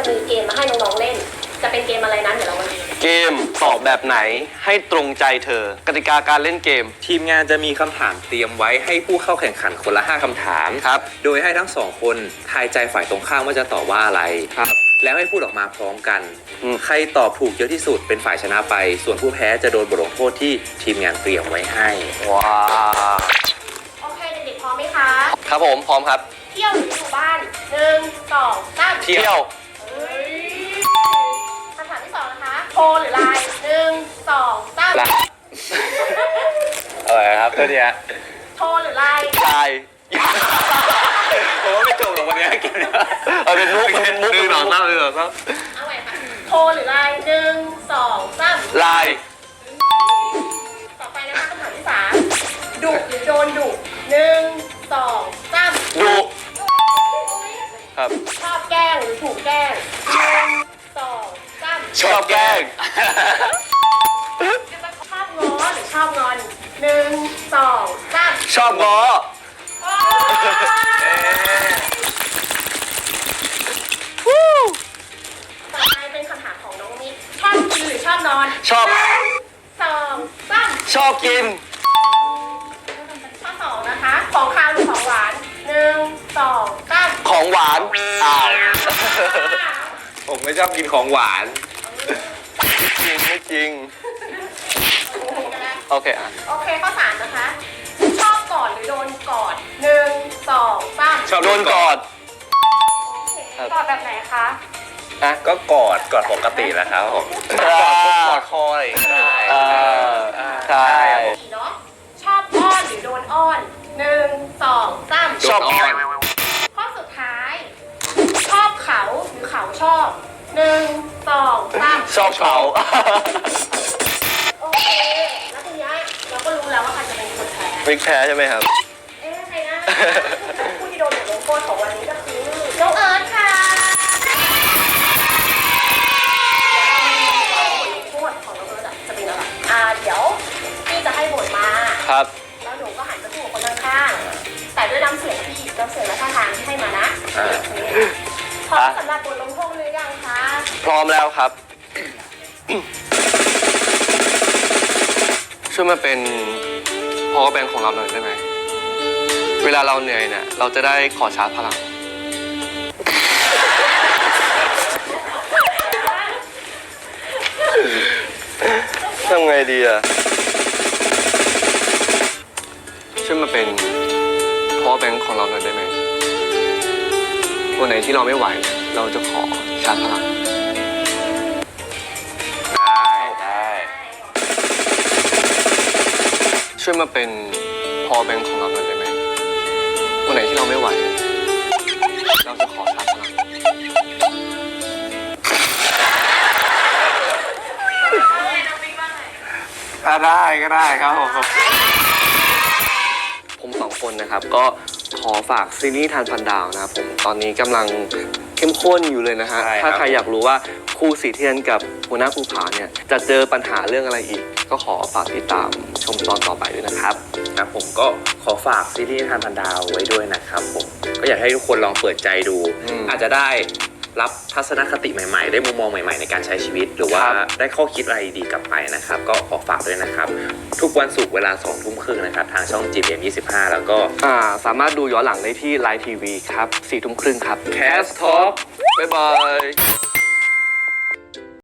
มีเกมมาให้น้องๆเล่น จะเป็นเกมอะไรนั้นเดี๋ยวเรามาดูเกมตอบแบบไหนให้ตรงใจเธอ กติกาการเล่นเกมทีมงานจะมีคำถามเตรียมไว้ให้ผู้เข้าแข่งขันคนละ 5คำถามครับโดยให้ทั้งสองคนทายใจฝ่ายตรงข้ามว่าจะตอบว่าอะไรครับแล้วให้พูดออกมาพร้อมกันอืมใครตอบถูกเยอะที่สุดเป็นฝ่ายชนะไป ส่วนผู้แพ้จะโดนบทลงโทษที่ทีมงานเตรียมไว้ให้ว้าโอเคเด็กๆพร้อมไหมคะครับผมพร้อมครับเที่ยวหรืออยู่บ้าน1 2 3 เที่ยวเฮ้ยคำถามที่ 2นะคะโทรหรือไลน์1 2 3 ไลน์ อะไรครับเพื่อนเนี่ยโทรหรือไลน์ตายผมว่าไม่จบหรอกวันนี้เกมนี้เอาเป็นมุกเป็นมุกหนึ่งสองสามหนึ่งสองสามเอาใหม่ค่ะโทรหรือไลน์1 2 3 ลายต่อไปนะคะคำถามที่ 3ดุหรือโดนดุ1 2 3 ดุ ครับชอบแกล้งหรือถูกแกล้ง1 2 3 ชอบแกล้งชอบง้อหรือชอบงอน1 2 3 ชอบง้อต่อไปเป็นคำถามของน้องมิกชอบกินหรือชอบนอนชอบ 2 3 ชอบกินข้อ2นะคะ ของคาวหรือของหวาน1 2 3 ของหวานอ้าวผมไม่ชอบกินของหวานจริงไม่จริง โอเคอ่ะโอเคข้อ3นะคะ ชอบกอดหรือโดนกอด1 2 3 ชอบโดนกอดกอดแบบไหนคะอ่ะก็กอดปกติแหละครับผมกอดคออะไรก็ได้ใช่เนาะชอบอ้อนหรือโดนอ้อน1 2 3 ชอบอ้อนข้อสุดท้าย ชอบเขาหรือเขาชอบ1 2 3 ชอบเขาโอเคแล้วทีเนี้ยเราก็รู้แล้วว่าใครจะเป็นคนแพ้วิกแพ้ใช่ไหมครับใครนะผู้ที่โดนบทลงโทษของวันนี้ก็คือน้องเอิร์ธค่ะบทลงโทษของน้องเอิร์ธจะเป็นอะไรเดี๋ยวพี่จะให้บทมาครับแล้วหนูก็หันไปพูดกับคนข้างๆแต่ด้วยน้ำเสียงที่น้ำเสียงและท่าทางที่ให้มานะพร้อมสำหรับบทลงโทษหรือยังคะพร้อมแล้วครับ ช่วยมาเป็นพอแบงค์ของเราหน่อยได้ไหม เวลาเราเหนื่อยเนี่ย เราจะได้ขอชาร์จพลัง ทำไงดีอ่ะ ช่วยมาเป็นพอแบงค์ของเราหน่อยได้ไหม วันไหนที่เราไม่ไหว เราจะขอชาร์จพลังได้ช่วยมาเป็นพอแบงค์ของเราหน่อยได้ไหม วันไหนที่เราไม่ไหว เราจะขอชาร์จพลังถ้าได้ก็ได้ครับผมผมสองคนนะครับ ก็ขอฝากซีรีส์ทานพันดาวนะครับผมตอนนี้กำลังเข้มข้นอยู่เลยนะฮะใช่ครับถ้าใครอยากรู้ว่าครูสีเทียนกับหัวหน้าภูผาเนี่ยจะเจอปัญหาเรื่องอะไรอีก ก็ขอฝากติดตามชมตอนต่อไปด้วยนะครับครับผมก็ขอฝากซีรีส์ทานพันดาวไว้ด้วยนะครับผมก็อยากให้ทุกคนลองเปิดใจดู อาจจะได้รับทัศนคติใหม่ๆ ได้มุมมองใหม่ๆ ในการใช้ชีวิต หรือว่าได้ข้อคิดอะไรดีๆกลับไปนะครับ ก็ขอฝากด้วยนะครับ ทุกวันศุกร์เวลา 20:30 นะครับ ทางช่อง GMM25 แล้วก็สามารถดูย้อนหลังได้ที่ไลน์ทีวีครับ 4 ทุ่มครึ่งครับ Cast Talk บ๊ายบาย